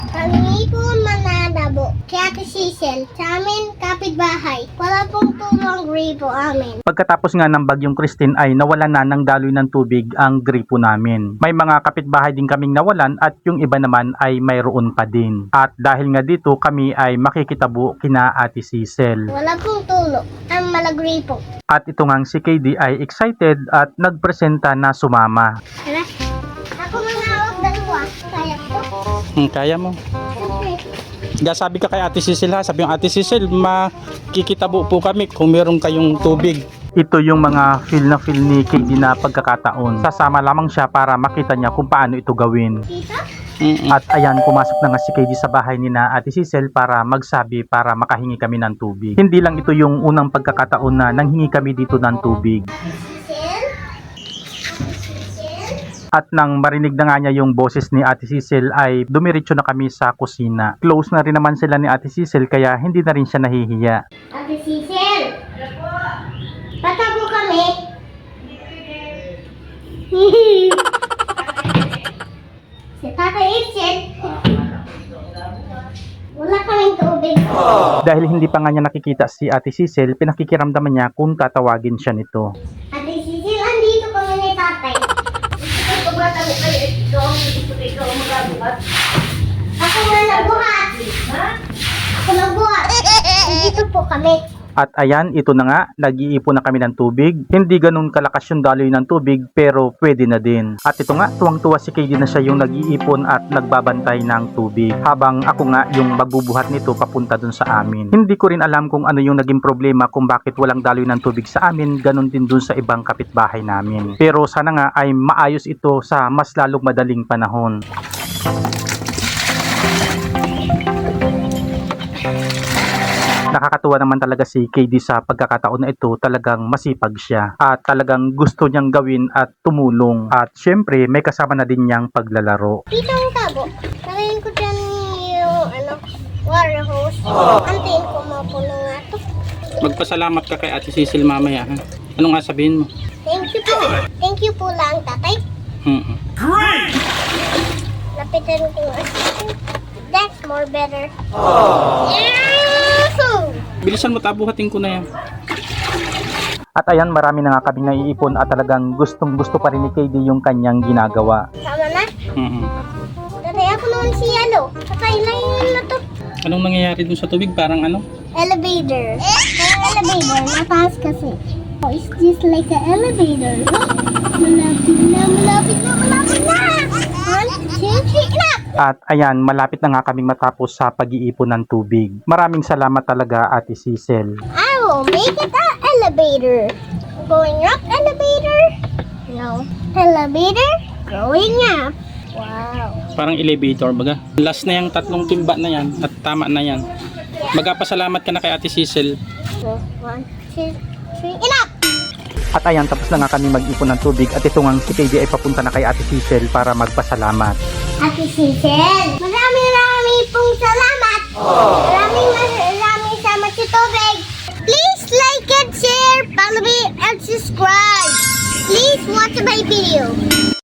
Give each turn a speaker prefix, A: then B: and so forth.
A: Kami po mananabo. Kaya Ate Cecil, sa amin kapitbahay. Wala pong tulong gripo amin.
B: Pagkatapos nga ng bagyong Christine ay nawalan na ng daloy ng tubig ang gripo namin. May mga kapitbahay din kaming nawalan at yung iba naman ay mayroon pa din. At dahil nga dito kami ay makikitabo kina Ate Cecil.
A: Wala pong tulong ang malagripo.
B: At ito nga si KD ay excited at nagpresenta na sumama.
A: Tara. Ako manawag dalawa. Kaya ko.
B: Kaya mo.
A: Okay.
B: Sabi ka kay Ate Cecil ha, sabi yung Ate Cecil, makikitabo po kami kung meron kayong tubig. Ito yung mga feel ni KD na pagkakataon. Sasama lamang siya para makita niya kung paano ito gawin.
A: Tita?
B: At ayan, pumasok na nga si KD sa bahay ni na Ate Cecil para magsabi para makahingi kami ng tubig. Hindi lang ito yung unang pagkakataon na nanghingi kami dito ng tubig.
A: Cecil? Cecil?
B: At nang marinig na nga niya yung boses ni Ate Cecil ay dumiretso na kami sa kusina. Close na rin naman sila ni Ate Cecil kaya hindi na rin siya nahihiya.
A: Ate Cecil? Patabo kami. Si Tata Itchin. Wala kaming tubig.
B: Dahil hindi pa nga niya nakikita si Ate Cecil, pinakikiramdaman niya kung tatawagin siya nito.
A: Ate Cecil, andito kami ni Tatay. Ako nga nagbuhat. Ako nagbuhat. Andito po kami.
B: At ayan, ito na nga, nag-iipon na kami ng tubig. Hindi ganun kalakas yung daloy ng tubig, pero pwede na din. At ito nga, tuwang-tuwa si KD na siya yung nag-iipon at nagbabantay ng tubig. Habang ako nga yung magbubuhat nito papunta dun sa amin. Hindi ko rin alam kung ano yung naging problema kung bakit walang daloy ng tubig sa amin, ganun din dun sa ibang kapitbahay namin. Pero sana nga ay maayos ito sa mas lalong madaling panahon. Nakakatuwa naman talaga si KD sa pagkakataon na ito, talagang masipag siya at talagang gusto niyang gawin at tumulong at syempre may kasama na din niyang paglalaro.
A: Dito ang tabo. Narayin ko dyan yung water hose. Antayin ko mapuno nga to.
B: Magpasalamat ka kay Ate Cecil mamaya ha. Ano nga sabihin mo?
A: Thank you po. Thank you po lang, Tatay. Lapitan ko yung assistant. That's more better. Yahoo!
B: Bilisan mo, tabuhatin ko na yan. At ayan, marami na nga kaming naiipon at talagang gustong gusto pa rin ni KD yung kanyang ginagawa.
A: Tama na? Tatay, ako naman si Yellow. Tatay, layan na to.
B: Anong nangyayari dun sa tubig? Parang ano?
A: Elevator. Ang elevator, mataas kasi. Oh, it's just like an elevator. Malapit na, malapit na, malapit na! 1, 2, 3, enough!
B: At ayan, malapit na nga kaming matapos sa pag-iipon ng tubig. Maraming salamat talaga Ate Cecil.
A: I will make it an elevator. Going up, elevator. No. Elevator, going up. Wow.
B: Parang elevator baga. Last na yung tatlong timba na yan at tama na yan. Magpasalamat ka na kay Ate Cecil.
A: So, 1, 2, 3, enough!
B: At ayan, tapos na nga kami mag-ipon ng tubig at ito nga si KD ay papunta na kay Ate Cecil para magpasalamat.
A: Ate Cecil, maraming pong salamat. Maraming salamat sa tubig. Please like and share, follow me and subscribe. Please watch my video.